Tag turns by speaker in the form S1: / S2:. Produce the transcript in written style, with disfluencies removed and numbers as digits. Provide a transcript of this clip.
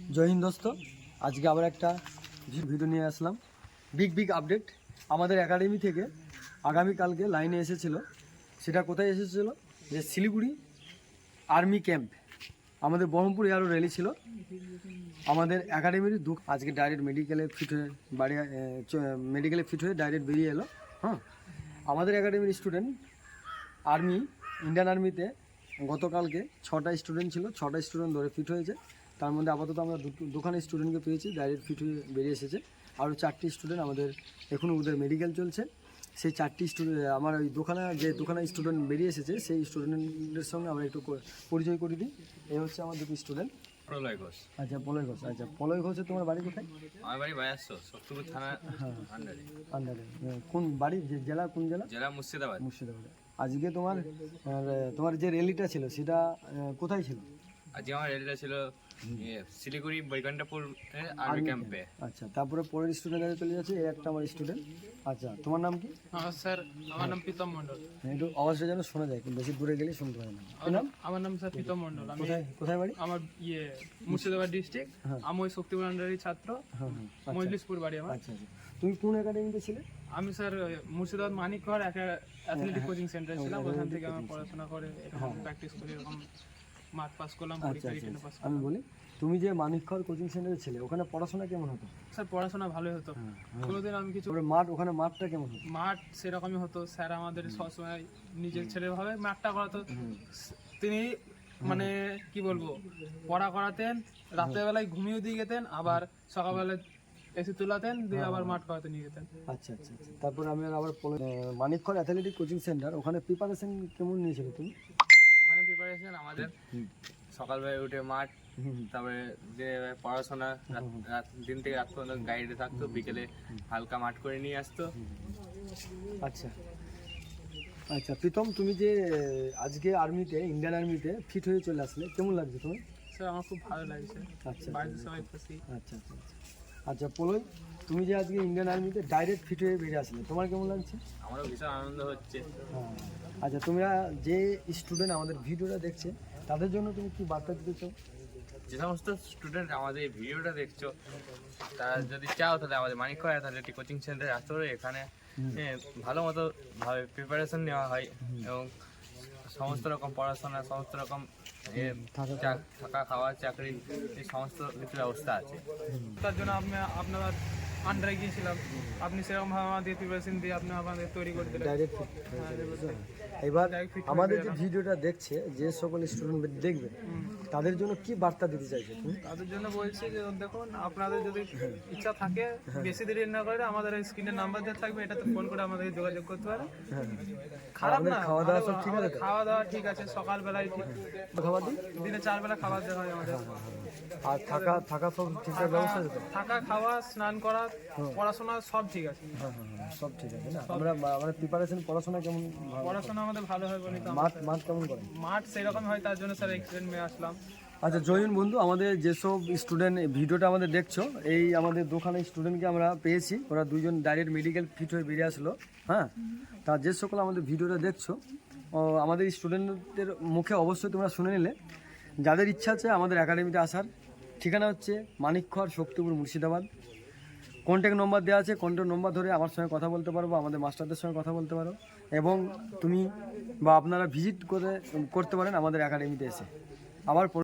S1: জয় হিন্দ দোস্ত, আজকে আবার একটা ভিডিও নিয়ে আসলাম। বিগ আপডেট আমাদের একাডেমি থেকে আগামীকালকে লাইনে এসেছিল। সেটা কোথায় এসেছিল? যে শিলিগুড়ি আর্মি ক্যাম্প, আমাদের বহরমপুর এয়ারও র্যালি ছিল। আমাদের একাডেমির আজকে ডাইরেক্ট মেডিকেলে ফিট হয়ে ডাইরেক্ট বেরিয়ে এলো। হ্যাঁ, আমাদের একাডেমির স্টুডেন্ট আর্মি, ইন্ডিয়ান আর্মিতে গতকালকে 6টা স্টুডেন্ট ছিল, 6টা স্টুডেন্ট ধরে ফিট হয়েছে। তার মধ্যে আপাতত আমরা দুখানে স্টুডেন্টকে পেয়েছি, ডাইরেক্ট ফিট হয়ে বেরিয়ে এসেছে। আরও 4টি স্টুডেন্ট আমাদের এখনও ওদের মেডিকেল চলছে। সেই 4টি স্টুডেন্ট আমার ওই দুখানা স্টুডেন্ট বেরিয়ে এসেছে, সেই স্টুডেন্টের সঙ্গে আমরা একটু পরিচয় করে দিই। এই হচ্ছে আমার দুটো স্টুডেন্ট।
S2: প্রলয় ঘোষ।
S1: আচ্ছা, প্রলয় ঘোষ। আচ্ছা, প্রলয় ঘোষে তোমার বাড়ি কোথায়?
S2: আমার বাড়ি বায়াসো, শক্তিপুর থানা আন্ডারে।
S1: কোন বাড়ি? জেলা কোন জেলা?
S2: জেলা মুর্শিদাবাদ।
S1: আজকে তোমার যে র্যালিটা ছিল সেটা কোথায় ছিল?
S2: আজকে আমার র্যালিটা ছিল শিলিগুড়ি বৈকুণ্ঠপুর আর্মি ক্যাম্পে।
S1: আচ্ছা, তারপরে পরের স্টুডেন্ট কাছে চলে যাচ্ছে। এই একটা আমার স্টুডেন্ট। আচ্ছা, তোমার নাম কি?
S3: স্যার, আমার নাম প্রীতম মণ্ডল।
S1: একটু আওয়াজটা যেন শোনা যায়, কিন্তু বেশি দূরে গেলে শুনতে পারে না। কি নাম?
S3: আমার নাম স্যার প্রীতম মণ্ডল। আমি
S1: কোথায় বাড়ি?
S3: আমার মুর্শিদাবাদ ডিস্ট্রিক্ট। আমি ওই শক্তিপুর আন্ডারের ছাত্র। মজলিশপুর বাড়ি আমার।
S1: আচ্ছা, তুমি কোন একাডেমিতে ছিলে?
S3: আমি স্যার মুর্শিদাবাদ মানিকঘর একটা অ্যাথলেটিক কোচিং সেন্টারে ছিলাম। ওখান থেকে আমি পড়াশোনা করে প্র্যাকটিস করে এরকম মাঠ পাস করলাম, পরীক্ষা রিটেনে পাস করলাম।
S1: আমি বলি, তুমি যে মানিকঘর কোচিং সেন্টারে ছিলে, ওখানে পড়াশোনা কেমন হতো?
S3: স্যার পড়াশোনা ভালোই হতো। কোনোদিন আমি কিছু
S1: ওখানে মাঠটা কেমন হতো?
S3: মাঠ সেরকমই হতো। স্যার আমাদের সবসময় নিজের ছেলেভাবে মাঠটা করাতো। তিনি মানে কি বলবো, পড়া করাতেন, রাতের বেলায় ঘুমিয়ে দিয়ে যেতেন, আবার সকালবেলায় এসে তুলাতেন, দিয়ে আবার মাঠ করাতে নিয়ে যেতেন।
S1: আচ্ছা। তারপর আমি আবার মানিকঘর অ্যাথলেটিক কোচিং সেন্টার, ওখানে প্রিপারেশন কেমন নিয়েছিলে তুমি?
S2: ওখানে প্রিপারেশন আমাদের সকালবেলায় উঠে মাঠ, তারপরে যে পড়াশোনা দিন থেকে রাত পর্যন্ত গাইডে থাকতো, বিকেলে হালকা মাঠ করে নিয়ে আসতো।
S1: আচ্ছা প্রীতম, তুমি যে আজকে ইন্ডিয়ান আর্মিতে ফিট হয়ে চলে আসলে, কেমন লাগছে তুমি?
S3: স্যার আমার খুব ভালো লাগছে। বাড়িতে সবাই খুশি।
S1: আচ্ছা প্রলয়, তুমি যে আজকে ইন্ডিয়ান আর্মিতে ডাইরেক্ট ফিট হয়ে বেরিয়ে আসলে, তোমার কেমন লাগছে?
S2: আমারও ভীষণ আনন্দ হচ্ছে।
S1: আচ্ছা, তোমরা যে স্টুডেন্ট আমাদের ভিডিওটা দেখছে, তাদের জন্য তুমি কি বার্তা দিতে চাও?
S2: যে সমস্ত স্টুডেন্ট আমাদের এই ভিডিওটা দেখছো, তারা যদি চাও তাহলে আমাদের মানিকঘর অ্যাথলেটিক কোচিং সেন্টারে আসতে পারো। এখানে ভালো মতো ভাবে প্রিপারেশন নেওয়া হয় এবং সমস্ত রকম পড়াশোনা, সমস্ত রকম থাকা খাওয়া, চাকরি, এই সমস্ত কিছু ব্যবস্থা আছে।
S3: তার জন্য আপনার আন্ডারে গিয়েছিলাম, আপনি সেরকমভাবে আমাদের প্রিপারেশন দিয়ে আপনি আমাদের তৈরি করে দিলেন।
S1: এবার আমাদের যে ভিডিওটা দেখছে, যে সকল স্টুডেন্ট দেখবে, তাদের জন্য কি বার্তা দিতে চাইছে তুমি?
S3: তাদের জন্য বলছি যে দেখুন, আপনাদের যদি ইচ্ছা থাকে, বেশি দেরি না করে আমাদের স্ক্রিনের নাম্বার দেওয়া থাকবে, এটাতে ফোন করে আমাদের যোগাযোগ করতে পারে। খারাপ না,
S1: খাওয়া দাওয়া সব ঠিক আছে?
S3: খাওয়া দাওয়া ঠিক আছে, সকালবেলায়
S1: খাবার দিই,
S3: দিনে 4 বেলা খাবার দেওয়া হয় আমাদের।
S1: আর থাকা সব ঠিকঠাক ব্যবস্থা আছে তো?
S3: থাকা, খাওয়া, স্নান করা, পড়াশোনা সব ঠিক আছে।
S1: সব ঠিক আছে না? আমরা প্রিপারেশন, পড়াশোনা কেমন?
S3: পড়াশোনা আমাদের ভালো হয় বলি তো।
S1: মাঠ কেমন করে?
S3: মাঠ সেরকম হয়, তার জন্য স্যার এক্সিডেন্ট মেয়ে আসলাম।
S1: আচ্ছা জয়ন বন্ধু, আমাদের যেসব স্টুডেন্ট ভিডিওটা আমাদের দেখছো, এই আমাদের দুখানে স্টুডেন্টকে আমরা পেয়েছি। ওরা দুজন ডাইরেক্ট মেডিকেল ফিট হয়ে বেরিয়ে আসলো। হ্যাঁ, তা যে সকল আমাদের ভিডিওটা দেখছো, আমাদের স্টুডেন্টদের মুখে অবশ্যই তোমরা শুনে নিলে। যাদের ইচ্ছা আছে আমাদের একাডেমিতে আসার, ঠিকানা হচ্ছে মানিকঘর, শক্তিপুর, মুর্শিদাবাদ। কন্ট্যাক্ট নম্বর দেওয়া আছে, কন্ট্যাক্ট নম্বর ধরে আমার সঙ্গে কথা বলতে পারো বা আমাদের মাস্টারদের সঙ্গে কথা বলতে পারো, এবং তুমি বা আপনারা ভিজিট করতে পারেন আমাদের একাডেমিতে এসে। আবার